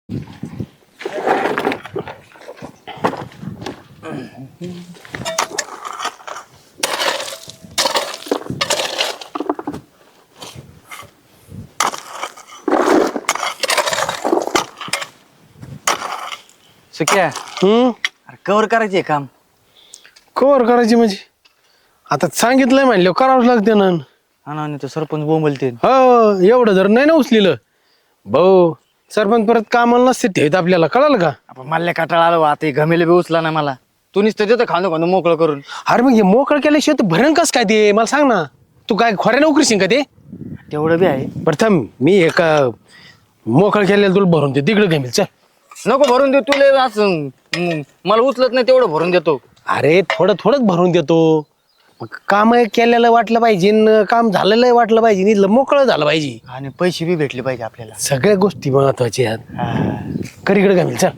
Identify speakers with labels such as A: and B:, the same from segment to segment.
A: सुक्या अरे कवर करायचे काम.
B: कवर करायची म्हणजे आता सांगितलंय म्हणलं करावंच लागते ना.
A: हा ना, आणि तो सरपंच बोंबलते.
B: हो एवढं जर नाही ना उचलेलं भाऊ सरपंच परत कामाला नसते ठेवत आपल्याला कळालं का.
A: आपण मला काटाळा आलो आता, हे घमेले बी उचला ना मला. तू नुसतं देतो खाणं खाणं मोकळं करून.
B: अरे मग हे मोकळं केल्याशिवाय तू भरण कस काय ते मला सांग ना. तू काय खोऱ्या नोकरी शिंग का ते.
A: तेवढं बी आहे.
B: प्रथम मी एका मोकळं केलेलं तुला भरून दे तिकडे घेमील चल.
A: नको भरून देऊ तुला असं. मला उचलत नाही तेवढं भरून देतो.
B: अरे थोडं थोडंच भरून देतो. मग काम केलेलं वाटलं पाहिजे न काम झालेलं वाटलं पाहिजे इथलं मोकळं झालं पाहिजे.
A: आणि पैसे बी भेटले पाहिजे आपल्याला.
B: सगळ्या गोष्टी महत्वाच्या आहेत. करीकडे घामील चल.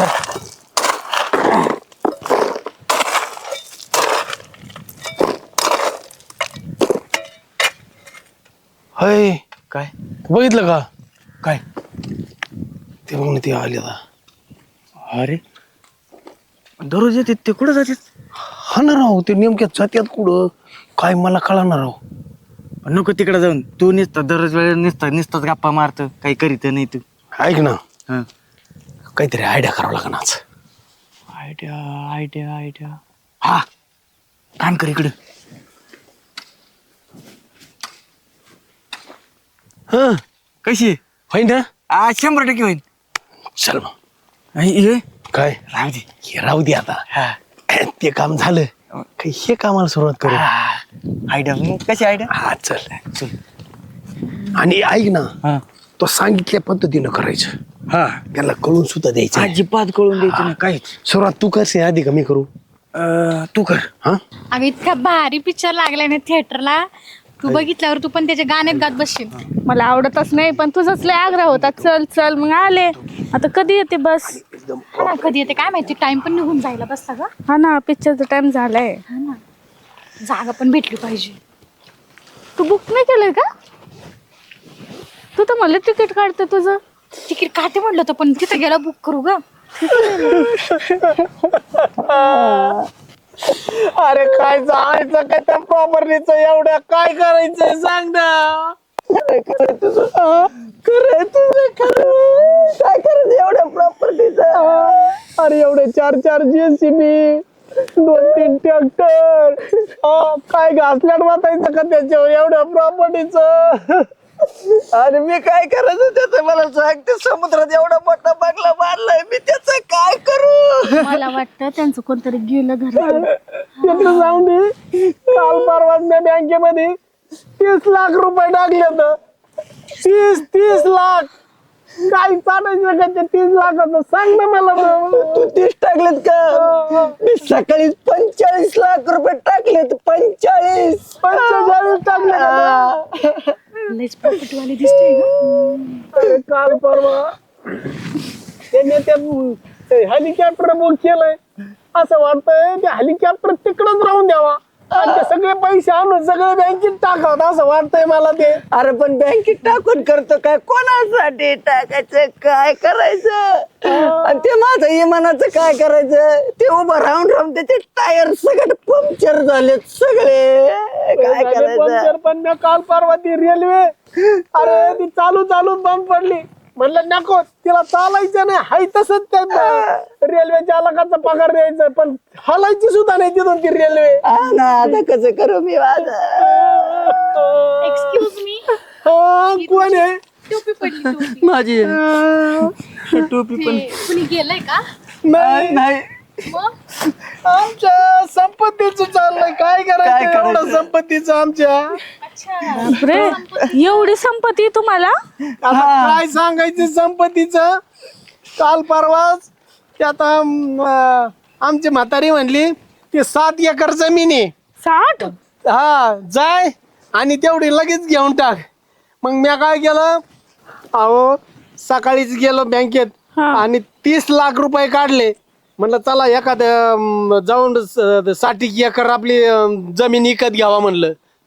B: हय
A: काय
B: बघितलं का
A: काय
B: ते बघ ना ते आले आता.
A: अरे दररोज येते ते कुठं जातात.
B: हा ना राव ते नेमक्या जात्यात कुठं काय मला कळणार राव.
A: नको तिकडे जाऊन तू निसता दररोज वेळेस निसताच गप्पा मारत काही करीत नाही तू.
B: ऐक ना
A: हा
B: काहीतरी आयडिया करावं लागणार आज.
A: Idea idea idea. हा काम कर इकडं.
B: हा
A: कशी
B: होईन ना
A: 100% होईल.
B: चल मग.
A: हे
B: काय
A: राहू दे.
B: हे राहू दे आता.
A: हा
B: ते काम झालं काही हे कामाला सुरुवात करू.
A: आयडिया मग कशी आयडिया.
B: हा चल.
A: चल.
B: आणि ऐक ना
A: हा
B: तो सांगितल्या पद्धतीनं करायचं.
A: हा
B: त्याला कळून सुद्धा द्यायचं नाही.
A: अजिबात कळून द्यायचं नाही काहीच.
B: सुरुवात तू करशील आधी कमी करू.
A: तू कर.
B: हा
C: अगं इतका भारी पिक्चर लागलाय ना थिएटरला. तू बघितल्यावर तू पण त्याचे गाण्यात गात बसशील.
D: मला आवडतच नाही पण तुझाच लय आग्रह होता चल चल मग आले. आता कधी येते बस.
C: हा ना, कधी येते काय माहिती. टाइम पण निघून जायला बसला ग.
D: हा ना पिक्चरचा टाइम झालाय.
C: हा ना, जागा पण भेटली पाहिजे.
D: तू बुक नाही केलंय का. तू तर मला तिकीट काढते तुझं.
C: तिकीट काटे म्हणलं होतं पण तिथं गेला बुक करू ग.
B: अरे काय जायचं काय त्या प्रॉपर्टीचं एवढ्या काय करायचंय सांग ना. काय करायचं काय करायचं एवढ्या प्रॉपर्टीचं. अरे एवढे 4 JCB 2-3 ट्रॅक्टर काय घासल्यात वाटायचं का त्याच्यावर एवढ्या प्रॉपर्टीचं. अरे मी काय करायचं त्याचं मला सांग. ते समुद्रात एवढा मोठा बंगला बांधलाय मी त्याचं काय करू.
D: मला वाटतं त्यांचं कोणतरी गेलं घरात.
B: तिथं जाऊन दे. काल परवा मी बँकेमध्ये 30 लाख रुपये टाकले तर 30 लाख काय चालायचं का ते 30 लाखाचं सांग ना मला. तू 30 टाकलेत का. मी सकाळी 45 लाख रुपये टाकलेत. 45 टाकले.
C: लयच प्रॉपर्टी वाले दिसते ग.
B: काल परवा त्याने त्या हेलिकॉप्टर बुक केलंय. असं वाटतंय ते हेलिकॉप्टर तिकडच राहून द्यावा आणि ते सगळे पैसे आणून सगळे बँकेत टाकावं असं वाटतंय मला ते.
E: अरे पण बँकेत टाकून करतो काय कोणासाठी टाकायचं काय करायचं. आणि ते माझं इमानाचं काय करायचं. ते उभं राहून राहून त्याचे टायर सगळे पंक्चर झालेत सगळे काय करायचं.
B: पण मी काल परवा ती रेल्वे अरे ती चालू बंद पडली. म्हणलं नको तिला चालायचं नाही हाय तसंच त्या रेल्वे चालकाचा पगार द्यायचा पण हलायची सुद्धा नाही तिथून ती रेल्वे.
E: हा ना आता कसं करू मी माझं.
C: Excuse me.
B: कोण आहे.
C: टोपी पडली टोपी.
A: माझी टोपी पण
C: कुणी गेलंय का.
B: नाही
A: नाही.
C: मग
B: आमच्या संपत्तीचं चाललंय काय करायचं एवढं संपत्तीचं आमच्या.
C: अच्छा
D: रे एवढी संपत्ती तुम्हाला.
B: आता काय सांगायचं संपत्तीचं. काल परवाच ते आता आमची म्हातारी म्हणली की 7 एकर जमीन आहे.
D: 60.
B: हा जाय आणि तेवढी लगेच घेऊन टाक. मग मी काय केलं अहो सकाळीच गेलो बँकेत आणि 30 लाख रुपये काढले. म्हणलं चला एखाद्या जाऊन 60 एकर आपली जमीन विकत घ्यावा म्हणलं.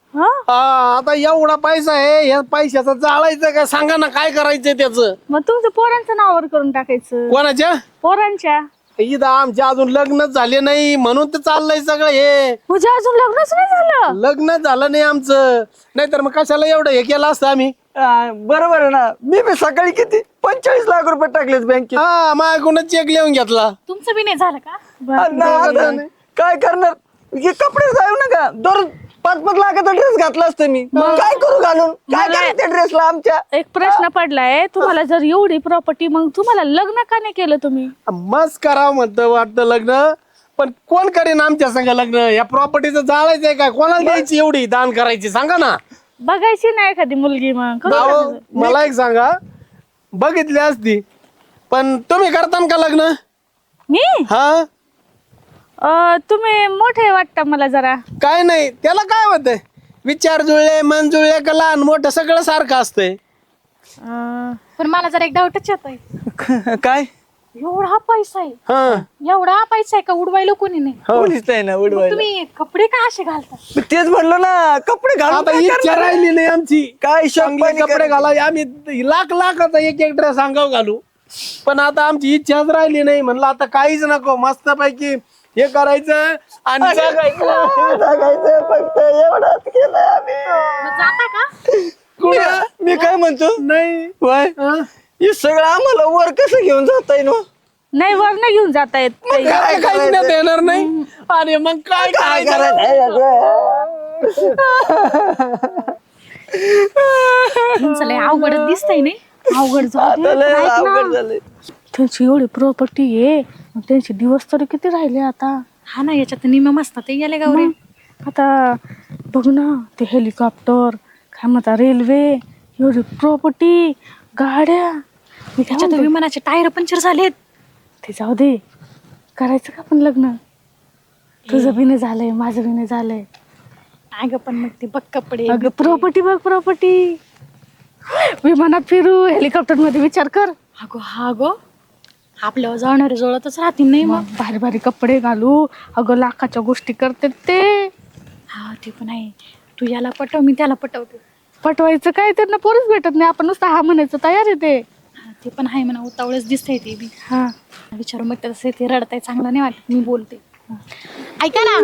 D: हा
B: आता एवढा पैसा आहे, या पैशाचं जाळायचं का सांगा ना, काय करायचं त्याचं?
D: मग तुमचं पोरांचं नावावर करून टाकायचं.
B: कोणाच्या?
D: पोरांच्या.
B: इथं आमच्या अजून लग्नच झाले नाही म्हणून तर चाललंय सगळं हे.
D: म्हणजे अजून लग्नच नाही झालं.
B: लग्न झालं नाही आमचं, नाहीतर मग कशाला एवढं हे केलं असतं आम्ही.
E: बरोबर आहे ना, मी बी सकाळी किती 45 लाख रुपये टाकलेत बँकेत.
B: हा, माझ्याकडून चेक लिहून घेतला.
C: तुमचं बी नाही झालं का?
E: आता काय करणार, हे कपडे जाऊ नका, दररोज 5-5 लाखाचा ड्रेस घातला असतं मी, काय करू घालून, काय करायचं त्या ड्रेसला आमच्या?
D: एक प्रश्न पडलाय तुम्हाला, जर एवढी प्रॉपर्टी, मग तुम्हाला लग्न का नाही केलं तुम्ही?
B: मस्त करावं म्हणतं वाटतं लग्न, पण कोण करेन आमच्या संग लग्न? या प्रॉपर्टीचं जाळायचंय काय? कोणाला द्यायची एवढी, दान करायची सांगा ना.
D: बघायची नाही एखादी मुलगी मग करू
B: अहो,
D: टाकायचं.
B: मला एक सांगा, बघितली असती पण तुम्ही करता का लग्न?
D: मी
B: हा,
D: तुम्ही मोठे वाटता मला जरा.
B: काय नाही, त्याला काय होतंय, विचार जुळले, मन जुळले का लहान मोठं सगळं सारखं असतंय.
C: पण मला जरा एक डाऊटच येतोय.
E: काय
C: एवढा पैसा आहे,
B: हा,
C: एवढा पैसा आहे का उडवायला कोणी नाही?
E: कोणीच नाही ना
C: मग
E: उडवायला.
C: तुम्ही कपडे का असे घालता?
E: मी तेच म्हणलो ना, कपडे घालून
B: आता
E: काय
B: इच्छा
E: करणार?
B: राहिली नाही आमची.
E: काय
B: चांगले
E: शॉपिंग
B: कपडे घाला, आम्ही लाखाचा एक ड्रेस अंगावर घालू, पण आता आमची इच्छाच राहिली नाही. म्हणलं आता काहीच नको, मस्त पैकी हे करायचं आणि जगायचं.
E: जगायचं फक्त एवढंच केलं आम्ही.
C: मग जाता का?
E: मी काय म्हणतो,
B: नाही
E: वय हे सगळं आम्हाला वर कसं घेऊन जाता येईल?
D: नाही वर नाही घेऊन जाता येत काही.
B: काय काहीच नाही येणार नाही. अरे मग काय
E: काय
B: करायचं?
C: तुमचं लय अवघडच दिसतंय नाही? अवघड जाऊ दे.
E: अवघड झालंय.
D: त्यांची एवढी प्रॉपर्टी आहे, मग त्यांचे दिवस तरी किती राहिले आता.
C: हा ना, याच्यात निम्म मस्त ते गेले गौरी.
D: आता बघ ना, ते हेलिकॉप्टर, काय म्हणता, रेल्वे, एवढी प्रॉपर्टी, गाड्या. मी काय
C: त्याच्यात
D: म्हणते,
C: विमानाचे टायर पंक्चर झालेत.
D: ते जाऊ दे, करायचं का आपण लग्न? तुझं बी नाही झालंय, माझं बी नाही झालंय.
C: अगं पण मग ते बघ कपडे.
D: अगं प्रॉपर्टी बघ, प्रॉपर्टी. विमानात फिरू, हेलिकॉप्टर मध्ये विचार कर.
C: अगो हा गो, आपल्यावर जाणारे जोळतच राहतील नाही मग.
D: भारी भारी कपडे घालू, अगं लाखाच्या गोष्टी करते ते.
C: हा ते पण आहे. तू याला पटव, मी त्याला पटवते.
D: पटवायचं काय, त्यांना पोरीच भेटत नाही, आपण नुसतं हा म्हणायचं तयार आहे ते.
C: हा, ते पण आहे म्हणा, उतावळच दिसतंय ते बी.
D: हा
C: विचारू मग तसं ते रडताय, चांगलं नाही वाटत, मी बोलते. ऐका ना,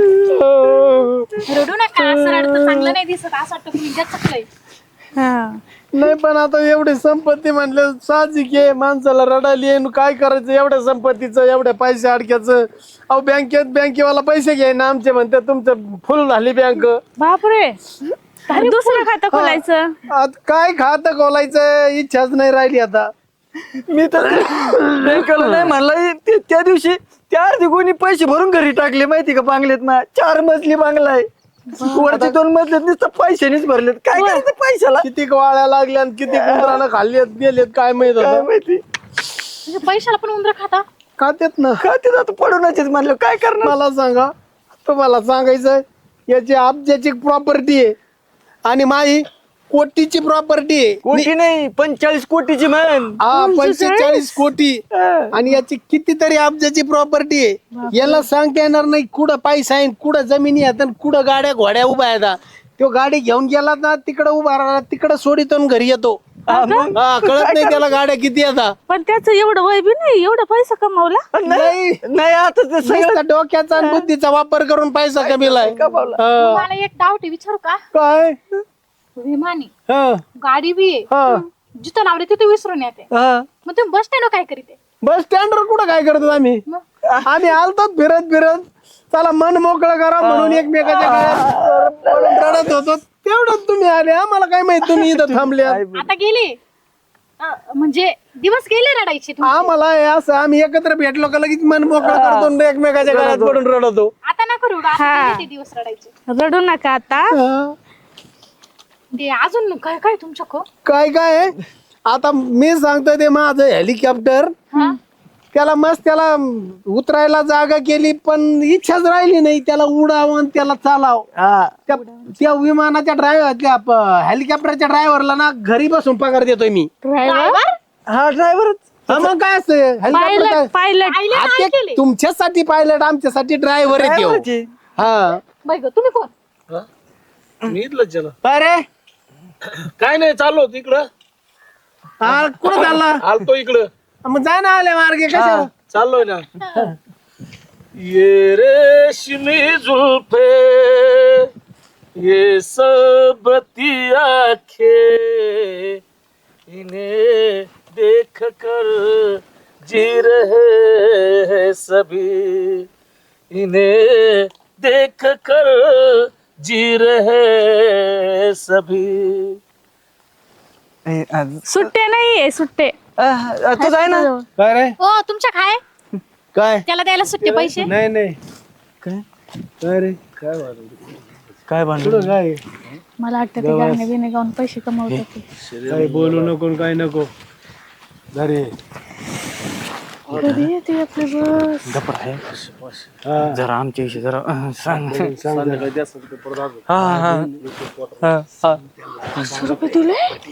C: रडू नका, असं रडतं चांगलं नाही दिसत, असं वाटतं तुम्ही चकलंय.
D: हा
B: नाही पण आता एवढी संपत्ती म्हणलं साहजिक आहे, माणसाला रडायली आहे. काय करायचं एवढ्या संपत्तीचं, एवढ्या पैसे अडक्याचं? अहो बँकेवाला पैसे घ्याय ना आमचे, म्हणते तुमचं फुल झाली बँक.
D: बापरे, दुसरं खातं खोलायचं.
B: आता काय खातं खोलायचं, इच्छाच नाही राहिली आता.
E: मी तर बँकेला नाही म्हणलं, त्या दिवशी त्या अर्धी कोणी पैसे भरून घरी टाकले माहिती का बांगलेत ना. 4 मजली बांगला आहे, वरचे 2 मजलेत नुसतं पैशानेच भरलेत. काय करायचं पैशाला?
B: किती वाळ्या लागल्या आणि किती उंदरानं खाल्लेत गेलेत काय माहित
E: काय
B: होतं.
E: माहिती,
C: म्हणजे पैशाला पण उंदर खाता?
B: खात्यात ना.
E: का ते जातं पडूनच म्हणलं, काय करणार?
B: मला सांगा, तुम्हाला सांगायचं, याची अब्जाची प्रॉपर्टी आहे आणि माझी कोटीची प्रॉपर्टी आहे.
E: कोटी नाही, 45 कोटीची म्हण.
B: हा, 45 कोटी आणि याची कितीतरी अब्जाची प्रॉपर्टी आहे. याला सांगता येणार नाही कुठं पैसा आहे, कुठं जमिनी आहेत आणि कुठं गाड्या घोड्या उभ्या आहेत. तो गाडी घेऊन गेला ना, तिकडं उभा राहिला, तिकडं सोडितो आणि घरी येतो.
E: हा, मग
B: हा, कळत नाही त्याला गाड्या किती येतात.
D: पण त्याचं एवढं वय बी नाही, एवढा पैसा कमवला.
E: नाही नाही, आता ते सगळं
B: नुसता डोक्याचा आणि बुद्धीचा वापर करून पैसा कमीलाय.
E: कमावला.
C: मला एक डाऊट आहे, विचारू का?
B: काय?
C: विमानी
B: हा,
C: गाडी बी आहे,
B: हा.
C: जिथं लावले तिथे विसरून येते.
E: हा.
C: मग तुम्ही बस स्टँड काय करीते?
B: बस स्टँडवर कुठं काय करतो आम्ही? आम्ही आलतो फिरत फिरत, चला मन मोकळं करा म्हणून एकमेकाच्या गळ्यात रडत होतो. तेवढंच तुम्ही आले, आम्हाला काय माहित तुम्ही इथं थांबले.
C: आता गेले, म्हणजे दिवस गेले रडायचे तुमचे.
B: आम्हाला हे असं, आम्ही एकत्र भेटलो का लगेच मन मोकळं करतो आणि एकमेकाच्या गळ्यात पडून रडतो.
C: आता नका रडू, आता
D: हा.
C: गेले ते दिवस रडायचे.
D: रडू नका आता.
B: हा.
C: ते अजून काय काय तुमच्या
B: काय काय आहे? आता मी सांगतोय, ते माझं हेलिकॉप्टर, त्याला मस्त त्याला उतरायला जागा केली, पण इच्छाच राहिली नाही त्याला उडावं आणि त्याला चालाव.
E: हा.
B: त्या विमानाच्या ड्रायव्हर, त्या हेलिकॉप्टरच्या ड्रायव्हरला ना घरी बसून पगार देतोय मी.
D: ड्रायव्हर,
E: हा ड्रायव्हर.
B: हा, मग काय असतं
D: पायलट, पायलट.
B: तुमच्यासाठी पायलट, आमच्यासाठी ड्रायव्हर आहे त्यो. हा,
C: बाई गं, तुम्ही कोण?
F: मी इथलंच झालं.
B: काय रे
F: काय नाही, चाललो होतो इकडं.
B: हा कुठं चालला
F: आलतो इकडं.
B: मग जा ना आले मार्गे कशा
F: चाललोय ना. ये रेशमी जुल्फे, ये सबती आंखें, इन्हें देख कर जी रहे हैं सभी, इन्हें देख कर जी रहे हैं सभी.
D: सुट्टे नाहीये सुट्टे.
E: तू जाय ना.
B: काय रे
C: हो तुमच्या काय
B: काय
C: त्याला द्यायला सुट्टे पैसे
B: नाही नाही
A: काय
B: काय रे
A: काय भांडण
B: कुठं काय
D: मला वाटतं ते गाणे बिणे गाऊन पैसे कमवतात ते.
B: काही बोलू नको काय नको अरे
D: कधी येते आपली बस?
A: गप्प आहे.
B: हा
A: जरा आमच्या विषयी जरा सांग.
F: संध्याकाळी द्या असं ते परत आलो.
A: हा
D: 500 रुपये दिले?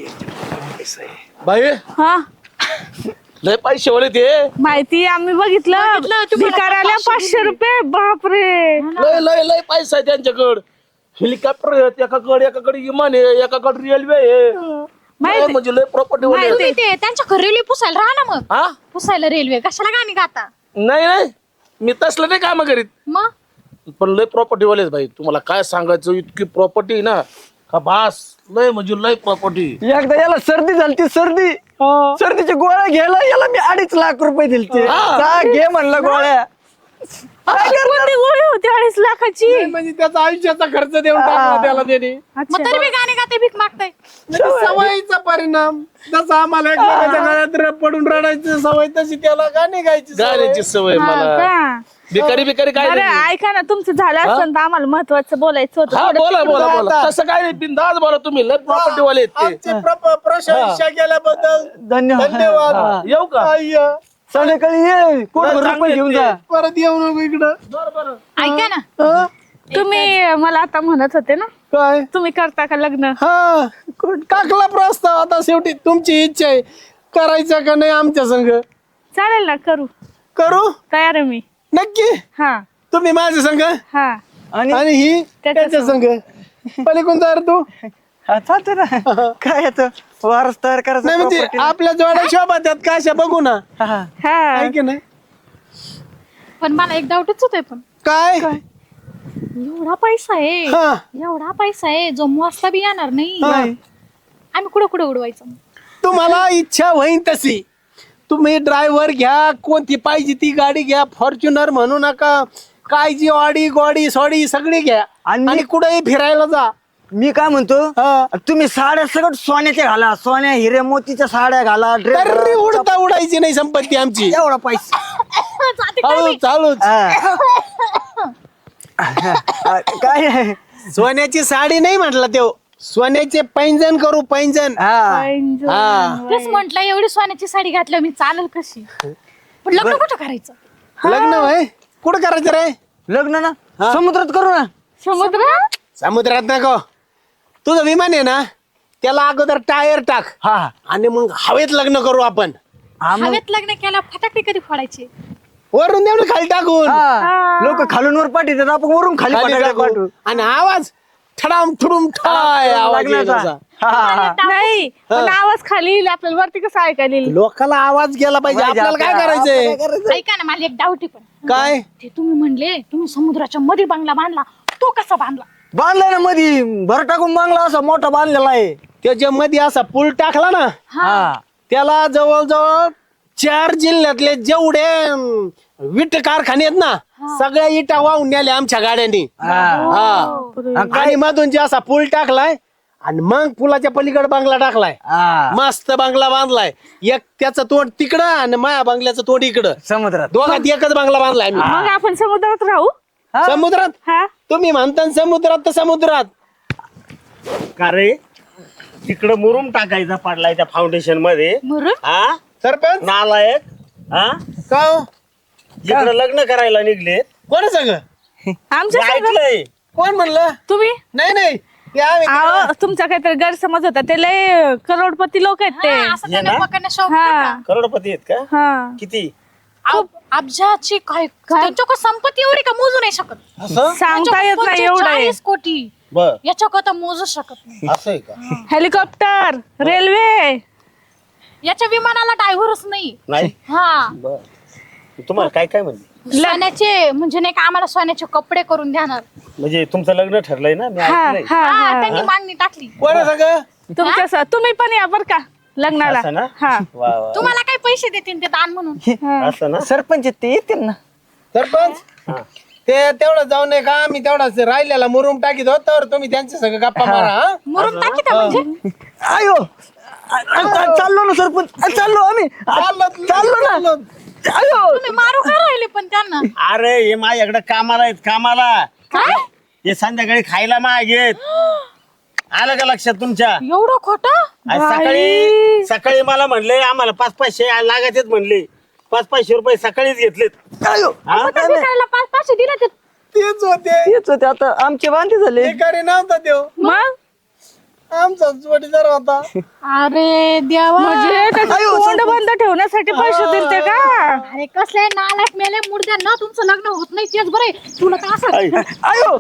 F: बाई
D: हा
F: लय पैसे वाले ते.
D: माहिती आम्ही बघितलं भिकाऱ्याला 500 रुपये. बापरे.
F: लय लय लय पैसा आहे त्यांच्याकडं. हेलिकॉप्टर आहेत एकाकडे विमान आहे, एकाकडे रेल्वे आहे.
D: माहिती
F: म्हणजे लय प्रॉपर्टी वाले
C: तुम्ही ते त्यांच्या रेल्वे पुसायला राहा ना मग.
F: हा
C: पुसायला रेल्वे कशाला गाणी गाता
F: नाही नाही, मी तसलं नाही काम करीत,
C: मग
F: पण लय प्रॉपर्टी वालेच भाई. तुम्हाला काय सांगायचं, इतकी प्रॉपर्टी ना का बास. लय म्हणजे लय प्रॉपर्टी.
E: एकदा याला सर्दी झाली सर्दी सर्दीची गोळ्या घ्यायला याला मी 2.5 लाख रुपये दिलते. जा घे म्हणलं गोळ्या.
D: कोणती गोळी होती 2.5 लाखाची?
B: म्हणजे त्याचा आयुष्याचा खर्च देऊन टाकला त्याला त्याने
C: मग तरी मी गाणे गाते भीक मागताय.
B: सवयीचा परिणाम. जसं आम्हाला एकमेकाच्या गळ्यात पडून रडायची सवय तशी त्याला गाणे गायची सवय.
F: गाण्याची सवय
D: हा
F: मला.
D: का?
F: भिकारी भिकारी काय
D: बरं
F: नाही.
D: ऐका ना तुमचं झालं असतं तर आम्हाला महत्वाचं बोलायचं होतं.
F: हा
D: थोडं
F: बोला
D: तिकडं
F: बोला
D: जा.
F: बोला. तसं काय नाही, बिंदास बोला. तुम्ही लय प्रॉपर्टी वाले आहेत ते.
B: आमची प्रशंसा केल्याबद्दल
E: धन्यवाद.
B: धन्यवाद.
F: येऊ का?
B: अय्या.
E: संध्याकाळी ये कोण रुपये घेऊन जा.
B: परत येऊ नको इकडं.
C: ऐका ना
B: हा?
D: तुम्ही मला आता म्हणत होते ना
B: काय
D: तुम्ही करता का लग्न?
B: हा टाकला प्रस्ताव. आता शेवटी तुमची इच्छा आहे करायचं का नाही आमच्या संग.
D: चालेल ना करू.
B: करू
D: तयार आहे मी.
B: नक्की.
D: हा
B: तुम्ही माझ्या संग
D: हा
B: आणि ही त्याच्या संग. पलीकडून तयार तू.
E: हा, चालतंय ना. काय येतं वारस तयार करायचं
B: नाही म्हणजे
E: property.
B: आपल्या जोड्या शोभा त्यात का अशा बघू ना.
E: हा, हा.
D: हा
B: आहे की नाही
C: पण मला एक डाऊटच होतोय. पण
B: काय
C: एवढा पैसा आहे
B: हा
C: एवढा पैसा आहे जो वाजता बी येणार नाही.
B: हा.
C: आम्ही कुठं कुठं उडवायचं.
B: तुम्हाला इच्छा होईन तशी तुम्ही ड्रायव्हर घ्या, कोणती पाहिजे ती गाडी घ्या. फॉर्च्युनर म्हणू नका, काय जी ऑडी गोडी सोडी सगळी घ्या आणि कुठेही फिरायला जा.
E: मी काय म्हणतो
B: हा.
E: तुम्ही साड्या सगळं सोन्याच्या घाला. सोन्या हिरे मोतीच्या साड्या घाला.
B: तरी उडता उडायची नाही संपत्ती आमची.
E: एवढा पैसा
B: चालू चालूच.
E: काय
B: सोन्याची साडी नाही म्हटलं तो, सोन्याचे पैंजण करू पैंजण.
E: हा
B: हा
C: तेच म्हंटल एवढी सोन्याची साडी घातल्यावर मी चालेल कशी. पण लग्न कुठं करायचं.
B: लग्न वय कुठं करायचं रे.
E: लग्न ना समुद्रात करू ना.
D: समुद्र.
B: समुद्रात नको. तुझं विमान आहे ना त्याला अगोदर टायर टाक
E: हा
B: आणि मग हवेत लग्न करू आपण.
C: हवेत लग्न केला फटाके कधी फोडायचे.
B: वरून देऊ ना खाली टाकून.
E: लोक खालून वर पाठवतात आपण वरून खाली
B: खाली
E: पाठवतो.
B: टाकू. आणि आवाज ठडाम ठुडूम ठाय आवाज येईल
E: लग्नाचा.
B: असा.
D: नाही पण आवाज खाली येईल आपल्याला वरती कसं ऐकायला येईल?
B: लोकांना आवाज गेला पाहिजे. आपल्याला काय करायचंय.
C: ऐका ना मला एक डाऊट आहे. पण
B: काय
C: ते तुम्ही म्हणले तुम्ही समुद्राच्या मध्ये बंगला बांधला तो कसा बांधला.
E: बांधलाय ना मधी भर टाकून बांगला असा मोठा बांधलेला आहे.
B: त्याच्या मध्ये असा पूल टाकला ना
E: हा
B: त्याला जवळजवळ 4 जिल्ह्यातले जेवढे विट कारखाने आहेत ना सगळ्या इटा वाहून नेल्या आमच्या गाड्यांनी. हा आणि मधून जे असा पूल टाकलाय आणि मग पुलाच्या पलीकडे बांगला टाकलाय. मस्त बांगला बांधलाय. एक त्याचं तोंड तिकडं आणि माया बांगल्याचं तोंड इकडं.
E: समुद्रात
B: दोघात एकच बांगला बांधलाय आम्ही.
D: मग आपण समुद्रात राहू.
B: समुद्रात
D: हा
B: तुम्ही म्हणता समुद्रात तर समुद्रात.
G: का रे तिकडं मुरुम टाकायचा पडलाय त्या फाउंडेशन मध्ये.
C: मुरुम.
G: हा
B: सरपंच
G: नालायक. हा
B: का हो?
G: इकडं लग्न करायला निघले.
B: कोण सांग
D: आमच्या संग-
G: ऐकलंय.
B: कोण म्हणलं.
D: तुम्ही
B: नाही नाही ते आम्ही
D: अहो, तुमचा काहीतरी गैरसमज होता. ते लय करोडपती लोक आहेत ते.
C: असं त्यांना
G: ना?
C: पकडण्या शौक
D: हा
C: नाही
G: करोडपती आहेत का.
D: हा
G: किती.
C: का? अब्जाची काय त्यांच्याकडे संपत्ती एवढी का मोजू नाही शकत.
D: सांगता येत नाही एवढं आहे.
C: 45 कोटी
G: बर
C: याच्या कथा मोजू शकत नाही.
G: असं आहे का?
D: Helicopter, railway.
C: याच्या विमानाला ड्रायव्हरच नाही.
G: नाही
C: हा
G: बर तुम्हाला काय काय म्हणते
C: सोन्याचे म्हणजे नाही का आम्हाला सोन्याचे कपडे करून देणार.
G: म्हणजे तुमचं लग्न ठरलंय ना मी
D: हा
G: ऐकलंय
D: हा
C: हा
D: हा.
C: त्यांनी मागणी टाकली.
F: कोणा सांग
D: तुमच्या तुम्ही पण या बर का लग्नाला.
G: असं ना
D: हा
G: वा वा
C: तुम्हाला काही पैसे देतील ते दान म्हणून.
G: असं ना
A: सरपंच आहेत ते येतील ना.
B: सरपंच
G: हा.
B: ते तेवढं जाऊ नये का आम्ही तेवढाच राहिलेला मुरुम टाकीत होत तर तुम्ही त्यांच्या सगळं गप्पा मारा हा?
C: मुरुम टाकी म्हणजे
A: आयो चाललो ना सरपंच, चाललो आम्ही, चाललो ना. आयो
C: तुम्ही मारू का राहिले पण त्यांना.
G: अरे हे माझ्याकडे कामाला आहेत कामाला
C: काय
G: हे संध्याकाळी खायला मागेत आलं का लक्षात तुमच्या
C: एवढं खोटं.
G: आज सकाळी मला म्हणले आम्हाला 500 लागत आहेत म्हणले 500 रुपये सकाळीच घेतलेत
A: आयो
G: हा?
C: करायला 500 दिले ते.
B: तेच होते
A: तेच होते आता आमचे वांदे झाले.
B: भिकारी नव्हता देव
D: मग
B: आमचा जोडीदार होता.
C: अरे देवा.
D: म्हणजे त्याचं तोंड बंद ठेवण्यासाठी पैसे दिलते का?
C: अरे कसले नालायक मेले मुर्द्या ना तुमचं लग्न होत नाही तेच बरे. तुला तर असं
A: आयो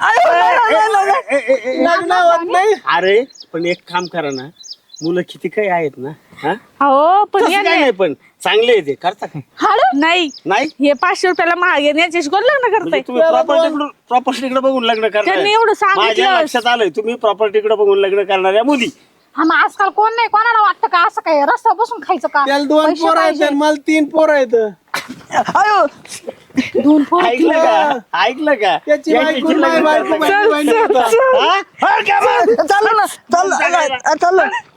B: लग्न होत नाही.
G: अरे पण एक काम करा ना मुलं किती काही आहेत ना हा?
D: हो पण
G: तसं काय नाही पण चांगले आहे ते करता काय
D: नाही
G: नाही
D: हे 500 रुपयाला महाग आहे याच्याशी कोण लग्न करताय?
G: म्हणजे तुम्ही प्रॉपर्टीकडे बघून लग्न करणार
D: त्यांनी एवढं सांगितलं.
G: माझ्या लक्षात आलंय तुम्ही प्रॉपर्टीकडे बघून लग्न करणाऱ्या मुली
C: हा मग आजकाल कोण नाही कोणाला वाटतं का असं काय रस्ता बसून खायचं का.
B: त्याला 2
C: पैसे
B: पोरं आहेत
C: पाहिजे.
B: आणि मला 3 पोरं आहेत.
A: आयो
C: 2 पोरं.
G: ऐकलं का ऐकलं का
B: त्याची
G: याची
B: बायको
G: लग्न
B: नाही, बायको
G: करता का?
B: बायको बायको.
G: हा? हा, का बरं?
A: चाललो ना, चाललो चाललो.